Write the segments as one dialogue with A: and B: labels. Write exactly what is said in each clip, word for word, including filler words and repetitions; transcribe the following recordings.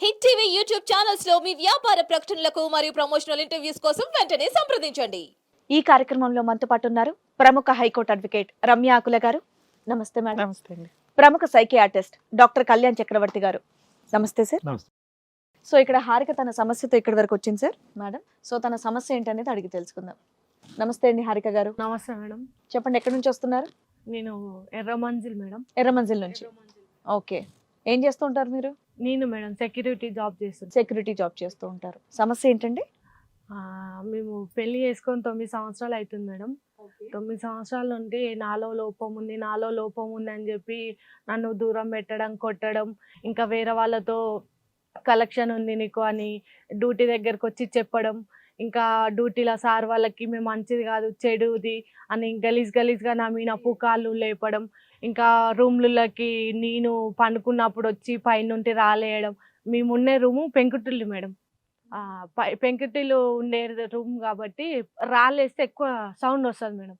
A: Hit TV YouTube channels లో మీ వ్యాపార ప్రకటనలకు మరియు ప్రమోషనల్ ఇంటర్వ్యూస్ కోసం వెంటనే సంప్రదించండి.
B: ఈ కార్యక్రమంలో మనతో పాటు ఉన్నారు ప్రముఖ హైకోర్టు అడ్వకేట్ రమ్య ఆకుల గారు. నమస్తే మేడం.
C: నమస్తే అండి.
B: ప్రముఖ సైకియాట్రిస్ట్ డాక్టర్ కళ్యాణ్ చక్రవర్తి గారు. నమస్తే సార్.
C: నమస్తే.
B: సో ఇక్కడ హారిక తన సమస్యతో ఇక్కడి వరకు వచ్చింది సార్ మేడం. సో తన సమస్య ఏంటనేది అడిగి తెలుసుకుందాం. నమస్తే అండి హారిక గారు.
D: నమస్తే మేడం.
B: చెప్పండి, ఎక్కడి నుంచి వస్తున్నారు?
D: నేను ఎర్రమంజిల్ మేడం.
B: ఎర్రమంజిల్ నుంచి. ఓకే, ఏం చేస్తూ ఉంటారు మీరు?
D: నేను మేడం సెక్యూరిటీ జాబ్ చేస్తాను.
B: సెక్యూరిటీ జాబ్ చేస్తూ ఉంటారు. సమస్య ఏంటండి?
D: ఆ, మేము పెళ్లి చేసుకొని తొమ్మిది సంవత్సరాలు అవుతుంది మేడం. తొమ్మిది సంవత్సరాల నుండి నాలో లోపం ఉంది నాలో లోపం ఉంది అని చెప్పి నన్ను దూరం పెట్టడం, కొట్టడం, ఇంకా వేరే వాళ్ళతో కలెక్షన్ ఉంది నీకు అని డ్యూటీ దగ్గరకు వచ్చి చెప్పడం, ఇంకా డ్యూటీలో సార్ వాళ్ళకి మేము మంచిది కాదు చెడుది అని గలీజ్ గలీజ్గా నా మీద పుకాళ్ళు లేపడం, ఇంకా రూమ్లకి నేను పండుకున్నప్పుడు వచ్చి పైనుండి రాలేయడం. మేముండే రూము పెంకుటిల్లు మేడం. పై పెంకుటిల్లు ఉండే రూమ్ కాబట్టి రాలేస్తే ఎక్కువ సౌండ్ వస్తుంది మేడం.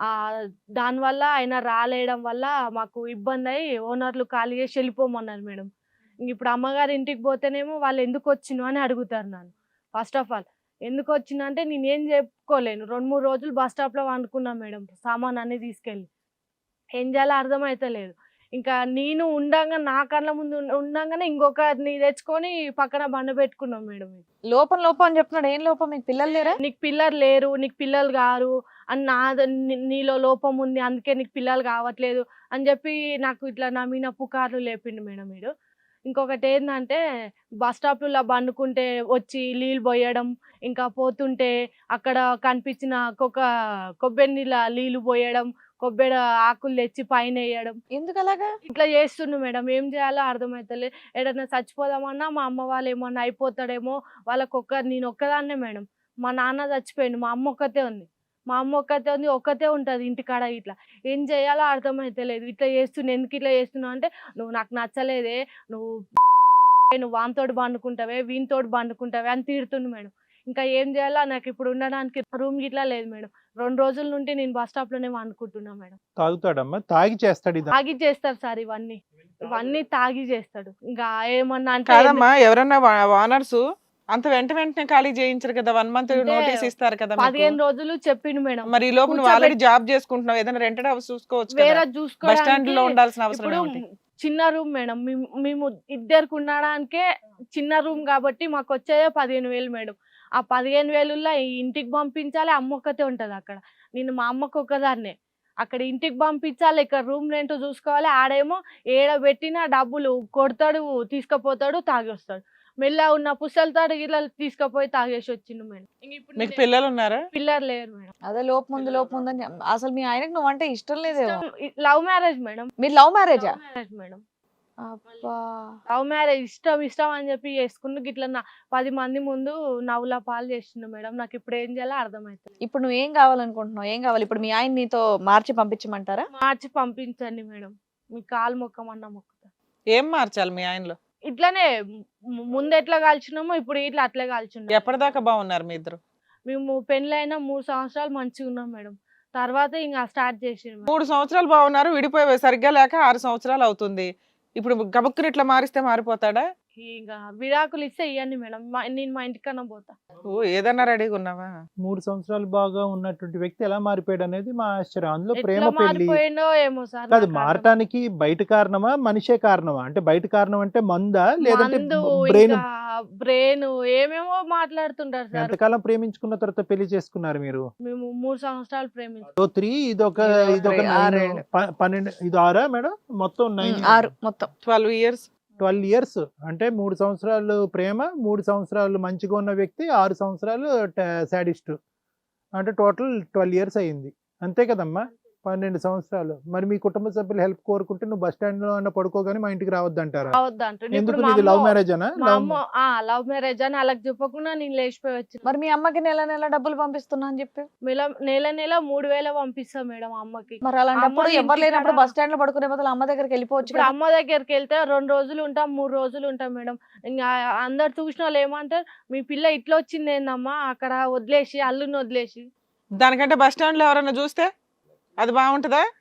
D: దానివల్ల ఆయన రాలేయడం వల్ల మాకు ఇబ్బంది అయ్యి ఓనర్లు ఖాళీ చేసి వెళ్ళిపోమన్నారు మేడం. ఇప్పుడు అమ్మగారి ఇంటికి పోతేనేమో వాళ్ళు ఎందుకు వచ్చినావు అని అడుగుతారు నన్ను. ఫస్ట్ ఆఫ్ ఆల్ ఎందుకు వచ్చినా అంటే నేను ఏం చెప్పుకోలేను. రెండు మూడు రోజులు బస్ స్టాప్లో వండుకున్నాను మేడం, సామాన్ అన్నీ తీసుకెళ్ళి. ఏం చేయాలో అర్థమవుతలేదు. ఇంకా నేను ఉండంగా నా కళ్ళ ముందు ఉండంగానే ఇంకొకరిని తెచ్చుకొని పక్కన బండ పెట్టుకున్నాం మేడం.
B: లోపం లోపం అని చెప్తున్నాడు. ఏం లోపం? మీకు పిల్లలు లేరా?
D: నీకు పిల్లలు లేరు, నీకు పిల్లలు కారు అని నా నీలో లోపం ఉంది అందుకే నీకు పిల్లలు కావట్లేదు అని చెప్పి నాకు ఇట్లా నా మీద పుకార్లు లేపిండు మేడం వీడు. ఇంకొకటి ఏంటంటే బస్ స్టాప్లో బండుకుంటే వచ్చి నీళ్ళు పోయడం, ఇంకా పోతుంటే అక్కడ కనిపించిన కొక్క కొబ్బరి నీళ్ళ నీళ్ళు పోయడం, కొబ్బరి ఆకులు తెచ్చి పైన వేయడం.
B: ఎందుకు అలాగా
D: ఇట్లా చేస్తుండు మేడం. ఏం చేయాలో అర్థమవుతలే. ఏదైనా చచ్చిపోదామన్నా మా అమ్మ వాళ్ళు ఏమన్నా అయిపోతాడేమో వాళ్ళకొక్క నేను ఒక్కదాన్నే మేడం. మా నాన్న చచ్చిపోయిండు, మా అమ్మ ఒక్కతే ఉంది. మా అమ్మ ఒక్కతే ఉంది, ఒక్కతే ఉంటుంది ఇంటికాడ. ఇట్లా ఏం చేయాలో అర్థమవుతలేదు. ఇట్లా చేస్తున్నా ఎందుకు ఇట్లా చేస్తున్నావు అంటే నువ్వు నాకు నచ్చలేదే, నువ్వు నువ్వు వానితోటి పండుకుంటావే వీనితోటి పండుకుంటావే అని తిడుతుండు మేడం. ఇంకా ఏం చేయాలో నాకు ఇప్పుడు ఉండడానికి రూమ్ గిట్లా లేదు మేడం. రెండు రోజుల నుండి నేను బస్ స్టాప్ లోనే వండుకుంటున్నా మేడం.
C: తాగుతాడమ్మా? తాగి చేస్తాడు ఇది?
D: తాగి చేస్తాడు సార్ ఇవన్నీ ఇవన్నీ తాగి చేస్తాడు. ఇంకా ఏమన్నా అంటే
E: కాదమ్మా, ఎవరన్నా వానర్స్ అంత వెంట వెంటనే ఖాళీ చేయించరు కదా, వన్ మంత్ నోటీస్ ఇస్తారు కదా.
D: పదిహేను రోజులు చెప్పిండు మేడం.
E: మరి ఈ లోపు నువ్వు ఆల్రెడీ జాబ్ చేసుకుంటున్నావు, ఏదైనా రెంటెడ్ హౌస్ చూసుకోవచ్చు
D: వేరే
E: కదా. బస్ స్టాండ్ లో ఉండాల్సిన అవసరం
D: ఇప్పుడు
E: ఏమిటి?
D: చిన్న రూమ్ మేడం. మేము ఇద్దరికి ఉండడానికే చిన్న రూమ్ కాబట్టి మాకు వచ్చేదే పదిహేను వేలు మేడం. ఆ పదిహేను వేలుల్లో ఇంటికి పంపించాలి, అమ్మ ఒక్కతే ఉంటుంది అక్కడ. నేను మా అమ్మకు ఒక్కదాన్నే. అక్కడ ఇంటికి పంపించాలి, ఇక్కడ రూమ్ రెంట్ చూసుకోవాలి. ఆడేమో ఏడ పెట్టినా డబ్బులు కొడతాడు, తీసుకుపోతాడు, తాగి వస్తాడు. మెల్ల ఉన్న పుస్తలతో ఇలా తీసుకుపోయి తాగేసి వచ్చిండు మేడం.
E: మీకు పిల్లలు ఉన్నారా?
D: పిల్లలు లేరు మేడం.
B: అదే లోపం ఉంది లోపం ఉందని. అసలు మీ ఆయనకు నువ్వు అంటే ఇష్టం లేదేమో.
D: Love marriage madam.
B: మీరు లవ్ మ్యారేజా?
D: Marriage madam.
B: అబ్బా,
D: లవ్ మ్యారేజ్ ఇష్టం ఇష్టం అని చెప్పి చేసుకుంటూ గిట్లా నా పది మంది ముందు నవ్వుల పాలు చేస్తుండు మేడం. నాకు ఇప్పుడు ఏం చేయాలో అర్థమవుతుంది.
B: ఇప్పుడు నువ్వు ఏం కావాలనుకుంటున్నావు? ఏం కావాలి ఇప్పుడు? మీ ఆయన నీతో మార్చి పంపించమంటారా?
D: మార్చి పంపించండి మేడం. మీ కాలు మొక్కమన్నా మొక్కుతా.
E: ఏం మార్చాలి మీ ఆయనలో?
D: ఇట్లానే ము- ముందు ఎట్లా కాల్చినామో ఇప్పుడు ఇట్లా అట్లే కాల్చున్నాం.
E: ఎప్పటిదాకా బాగున్నారు మీ ఇద్దరు?
D: మేము పెళ్ళైన మూడు సంవత్సరాలు మంచిగా ఉన్నాం మేడం. తర్వాత ఇంకా స్టార్ట్ చేసిండు మేడం.
E: మూడు సంవత్సరాలు బాగున్నారు, విడిపోయి సరిగ్గా లేక ఆరు సంవత్సరాలు అవుతుంది. ఇప్పుడు గబుక్కుని ఇట్లా మారిస్తే మారిపోతాడా?
D: ఇంకా విడాకులు ఇస్తే ఇవ్వండి మేడం. మా- నేను మా ఇంటికన్నా పోతా.
E: ఓ, ఏదన్నా రెడీగా ఉన్నావా?
C: మూడు సంవత్సరాలు బాగా ఉన్నటువంటి వ్యక్తి ఎలా మారిపోయాడు అనేది మా ఆశ్చర్యం. అందులో ప్రేమ
D: ఎట్లా
C: పెళ్లి
D: మారిపోయిండో ఏమో సార్.
C: కాదు,
D: నాకు
C: మారటానికి బయట కారణమా మనిషే కారణమా? అంటే బయట కారణం అంటే మందా లేదంటే
D: మందు,
C: బ్రెయిన్?
D: ఇంకా బ్రెయిన్ ఏమేమో మాట్లాడుతుంటారు సార్.
C: ఎంతకాలం ప్రేమించుకున్న తర్వాత పెళ్లి చేసుకున్నారు మీరు?
D: మేము మూడు సంవత్సరాలు ప్రేమించాం.
C: ఓ త్రీ, ఇదొక ఇదొక
B: ఆరు,
C: నైన్,
B: ఆరేళ్ళు.
C: ప- పన్నెండు, ఇది ఆరా మేడం? మొత్తం నైన్,
B: ఆరు మొత్తం.
E: Twelve years
C: twelve years. అంటే మూడు సంవత్సరాలు ప్రేమ, మూడు సంవత్సరాలు మంచిగా ఉన్న వ్యక్తి, ఆరు సంవత్సరాలు సాడిస్ట్. అంటే టోటల్ ట్వెల్వ్ ఇయర్స్ అయ్యింది, అంతే కదమ్మా? పన్నెండు సంవత్సరాలు. మరి మీ కుటుంబ సభ్యులు హెల్ప్ కోరుకుంటే నువ్వు బస్ స్టాండ్ లో అన్న పడుకోగానే మా ఇంటికి రావద్దు అంటారా?
D: అవద్దంటారు.
C: ఎందుకు?
D: ఇప్పుడు మా
C: ఇది లవ్
D: అమ్మ-
C: మ్యారేజ్ అనా?
D: మా అమ్మ లవ్ మ్యారేజ్ అని అలాగ చెప్పకుండా నేను లేచిపోయి వచ్చి
B: మరి మీ అమ్మకి నెల నెల డబ్బులు పంపిస్తున్నా అని చెప్పి
D: నెల నెల నెల మూడు వేల పంపిస్తాం మేడం అమ్మకి.
B: మరి అలాంటప్పుడు
D: అమ్మ
B: ఎవరు లేనప్పుడు
D: ఇంటికాడ-
B: బస్ స్టాండ్ లో పడుకునే బదులు అమ్మ దగ్గరికి వెళ్ళిపోవచ్చు
D: ఇప్పుడు
B: కదా.
D: అమ్మ దగ్గరికి వెళ్తే రెండు రోజులు ఉంటాం, మూడు రోజులు ఉంటాం మేడం. ఇంకా అందరు చూసిన వాళ్ళు ఏమంటారు, మీ పిల్ల ఇట్లా వచ్చింది ఏందమ్మా అక్కడ వదిలేసి అల్లుని వదిలేసి.
E: దానికంటే బస్ స్టాండ్ లో ఎవరైనా చూస్తే అది బాగుంటుందా?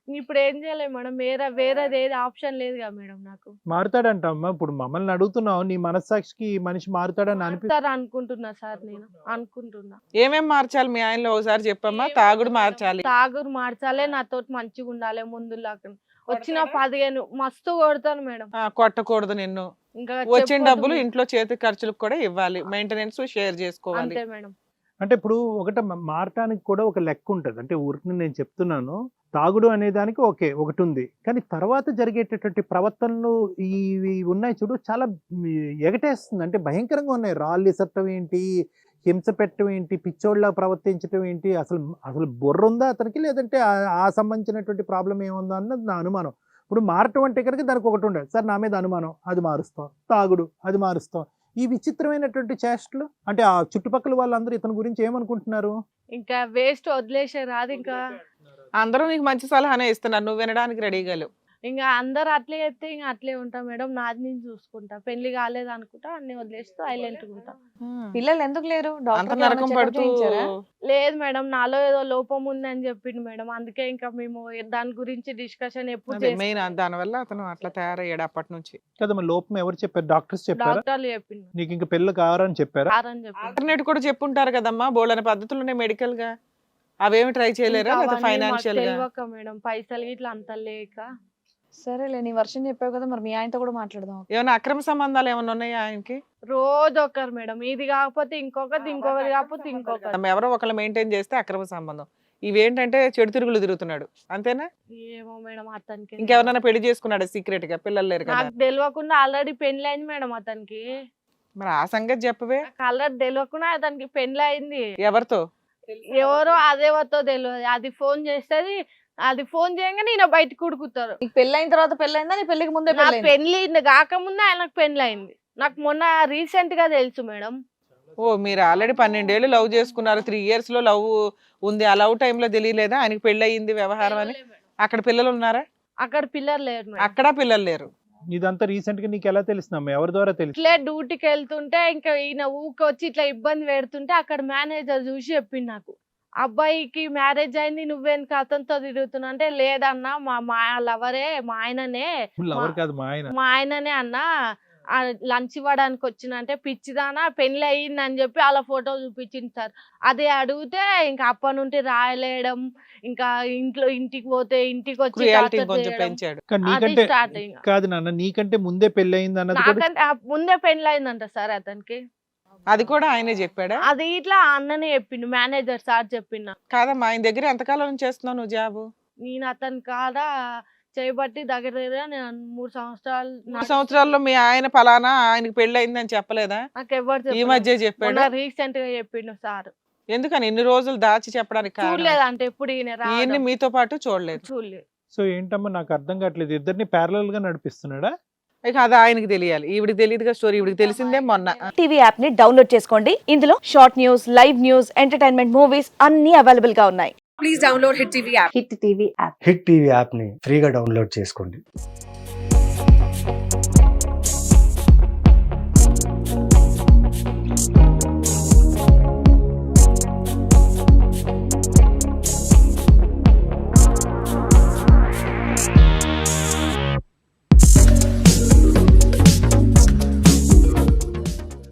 D: ఇప్పుడు ఏం చేయలేము మేడం, వేరే వేరేది ఏది ఆప్షన్ లేదు కదా మేడం నాకు.
C: మారుతాడంట అమ్మా. ఇప్పుడు మమ్మల్ని అడుగుతున్నావు, నీ మనస్సాక్షికి ఈ మనిషి మారుతాడని అనిపి
D: మారుతారు అనుకుంటున్నా సార్, నేను అనుకుంటున్నా.
E: ఏమేం మార్చాలి మీ ఆయనలో ఒకసారి చెప్పమ్మా. తాగుడు మార్చాలి,
D: తాగుడు మార్చాలే, నాతో మంచిగా ఉండాలి ముందులాగా. వచ్చిన పదిహేను మస్తు కొడతాను మేడం.
E: ఆ, కొట్టకూడదు నిన్ను.
D: ఇంకా
E: వచ్చిన
D: చెప్పొద్దు
E: డబ్బులు
D: మేడం.
E: ఇంట్లో చేతి ఖర్చులకు కూడా ఇవ్వాలి, మెయింటెనెన్స్ షేర్ చేసుకోవాలి.
D: అంతే మేడం.
C: అంటే ఇప్పుడు ఒకట మారటానికి కూడా ఒక లెక్క ఉంటుంది. అంటే ఊరికి నేను చెప్తున్నాను, తాగుడు అనే దానికి ఓకే ఒకటి ఉంది, కానీ తర్వాత జరిగేటటువంటి ప్రవర్తనలు ఇవి ఉన్నాయి చూడు, చాలా ఎగటేస్తుంది. అంటే భయంకరంగా ఉన్నాయి. రాళ్ళు ఇసట్టం ఏంటి, హింస పెట్టడం ఏంటి, పిచ్చోళ్ళ ప్రవర్తించడం ఏంటి, అసలు అసలు బుర్ర ఉందా అతనికి, లేదంటే ఆ- ఆ సంబంధించినటువంటి ప్రాబ్లం ఏముందా అన్నది నా అనుమానం. ఇప్పుడు మారటం అంటే కనుక దానికి ఒకటి ఉండదు, సార్ నా మీద అనుమానం, అది మారుస్తాం. తాగుడు, అది మారుస్తాం. ఈ విచిత్రమైనటువంటి చేష్టలు, అంటే ఆ చుట్టుపక్కల వాళ్ళందరూ ఇతని గురించి ఏమనుకుంటున్నారు?
D: ఇంకా వేస్ట్ వదిలేసే రాదు. ఇంకా
E: అందరూ నీకు మంచి సలహానే ఇస్తున్నారు, నువ్వు వినడానికి రెడీగా లేవు.
D: ఇంకా అందరు అట్లే చెప్తే ఇంకా అట్లే ఉంటా మేడం. నాది నేను చూసుకుంటా. పెళ్లి కాలేదు అనుకుంటా, అన్ని వదిలేస్తూ సైలెంట్ ఉంటా.
B: పిల్లలు ఎందుకు లేరు?
E: అంత
B: డాక్టర్
E: నరకం పడుతూ
D: లేదు మేడం, నాలో ఏదో లోపం ఉంది అని చెప్పిండు మేడం. అందుకే ఇంకా మేము దాని గురించి డిస్కషన్ ఎప్పుడు చేస్తాం.
E: మెయిన్ దాని వల్ల అతను అట్లా తయారయ్యాడు అప్పటి నుంచి.
C: కదమ్మా, లోపం ఎవరు చెప్పారు? డాక్టర్స్ చెప్పారా?
D: డాక్టర్లు చెప్పిండు
C: నీకు ఇంకా పిల్లలు కావాలని చెప్పారా?
D: అని చెప్పిండు.
E: ఆల్టర్నేట్ కూడా చెప్పుంటారు కదమ్మా, బోల్డని పద్ధతులు ఉన్నాయి మెడికల్ గా, అవేమి ట్రై చేయలేరా?
D: ఇంకా
E: లేదా
D: అవన్నీ మాకు
E: ఫైనాన్షియల్ గా?
D: తెలియక మేడం, పైసలు ఇట్లా అంత లేక.
B: సరేలే, నీ వర్షం చెప్పావు కదా, మరి మీ ఆయనతో కూడా మాట్లాడదాం.
E: ఏమైనా అక్రమ సంబంధాలు ఏమైనా ఉన్నాయా ఆయనకి?
D: రోజు ఒకరు మేడం, ఇది కాకపోతే ఇంకొకటి, ఇంకొకటి కాకపోతే ఇంకొకటి.
E: మనం ఎవరో ఒకళ్ళు మెయింటైన్ చేస్తే అక్రమ సంబంధం. ఇవేంటంటే చెడు తిరుగులు తిరుగుతున్నాడు అంతేనా?
D: ఏమో మేడం, అతనికి
E: ఇంకెవరైనా పెళ్లి చేసుకున్నాడు సీక్రెట్ గా? పిల్లలు లేరు కదా?
D: నాకు తెలియకుండా ఆల్రెడీ పెళ్లి అయింది మేడం అతనికి.
E: మరి ఆ సంగతి చెప్పవే.
D: నాకు ఆల్రెడీ తెలియకుండా అతనికి పెళ్లి అయింది.
E: ఎవరితో?
D: ఎవరో అదేవతో తెలియదు. అది ఫోన్ చేస్తుంది, అది ఫోన్ చేయగానే ఈయన బయటకు ఉడుకుతారు.
B: నీకు పెళ్లి అయిన తర్వాత పెళ్లి అయిందా? నీ పెళ్లికి ముందే
D: నా
B: పెళ్లి
D: పెళ్లి కాకముందే ఆయనకు పెళ్లి అయింది. నాకు మొన్న రీసెంట్ గా తెలుసు మేడం.
E: ఓ, మీరు ఆల్రెడీ పన్నెండేళ్ళు లవ్ చేసుకున్నారు, త్రీ ఇయర్స్ లో లవ్ ఉంది. ఆ లవ్ టైంలో తెలియలేదా ఆయనకి పెళ్లి అయ్యింది వ్యవహారం అని? అక్కడ పిల్లలు ఉన్నారా?
D: అక్కడ పిల్లలు లేరు మేడం.
E: అక్కడ పిల్లలు లేరు.
C: ఇదంతా రీసెంట్ గా నీకు ఎలా తెలుస్తుందమ్మా? ఎవరి ద్వారా తెలుసు?
D: ఇట్లే డ్యూటీకి వెళ్తుంటే ఇంకా ఈయన ఊకొచ్చి ఇట్లా ఇబ్బంది పెడుతుంటే అక్కడ మేనేజర్ చూసి చెప్పింది నాకు, అబ్బాయికి మ్యారేజ్ అయింది, నువ్వేనికి అతనితో తిరుగుతున్నా అంటే, లేదన్నా మా మా లవరే, మా ఆయననే,
C: ఎవరు కాదు, మా ఆయన.
D: మా ఆయననే అన్న లంచ్ ఇవ్వడానికి వచ్చిన అంటే, పిచ్చిదానా పెళ్లి అయ్యింది అని చెప్పి అలా ఫోటో చూపించింది సార్. అదే అడిగితే ఇంకా అప్పటి నుండి రాయలేయడం, ఇంకా ఇంట్లో ఇంటికి పోతే ఇంటికి వచ్చి
E: క్రుయాలిటీ
D: torture
E: కొంచెం
D: చేయడం.
E: పెంచాడు.
C: కానీ
D: అది
C: నీకంటే
D: స్టార్ట్ ఇంకా.
C: కాదు నాన్న, నీకంటే ముందే పెళ్లి అయింది అన్నది కూడా
D: నాకంటే ఆ ముందే పెళ్లి అయిందంట సార్ అతనికి.
E: అది కూడా ఆయనే చెప్పాడా?
D: అది ఇట్లా అన్ననే చెప్పిండు, మేనేజర్ సార్ చెప్పిండు.
E: కాదమ్మా, ఆయన దగ్గర ఎంతకాలం నుంచి చేస్తున్నావు నువ్వు జాబు?
D: నేను అతని కాడ చేయబట్టి దగ్గర దగ్గర నేను మూడు సంవత్సరాలు
E: మూడు సంవత్సరాల్లో మీ ఆయన ఫలానా ఆయనకి పెళ్లి అయింది అని చెప్పలేదా?
D: నాకు ఎవరు
E: ఈ మధ్య చెప్పాడు.
D: రీసెంట్ గా చెప్పిండు సార్.
E: ఎందుకని ఇన్ని రోజులు దాచి చెప్పడానికి కారణం?
D: చూడలేదు అంటే ఎప్పుడు ఈయన
E: ఈయన్ని
D: రావడం.
E: మీతో పాటు చూడలేదు.
D: చూడలేదు.
C: సో ఏంటమ్మా, నాకు అర్థం కావట్లేదు. ఇద్దరిని ప్యారలల్ గా నడిపిస్తున్నాడా?
E: ఇక అది ఆయనకి తెలియాలి, ఈవిడికి తెలియదుగా స్టోరీ. ఈవిడికి తెలిసిందే మొన్న.
F: టీవీ యాప్ ని డౌన్లోడ్ చేసుకోండి. ఇందులో short news, live news, entertainment movies అన్ని అవైలబుల్ గా ఉన్నాయి.
G: హిట్ టీవీ యాప్ ని ఫ్రీగా డౌన్లోడ్ చేసుకోండి.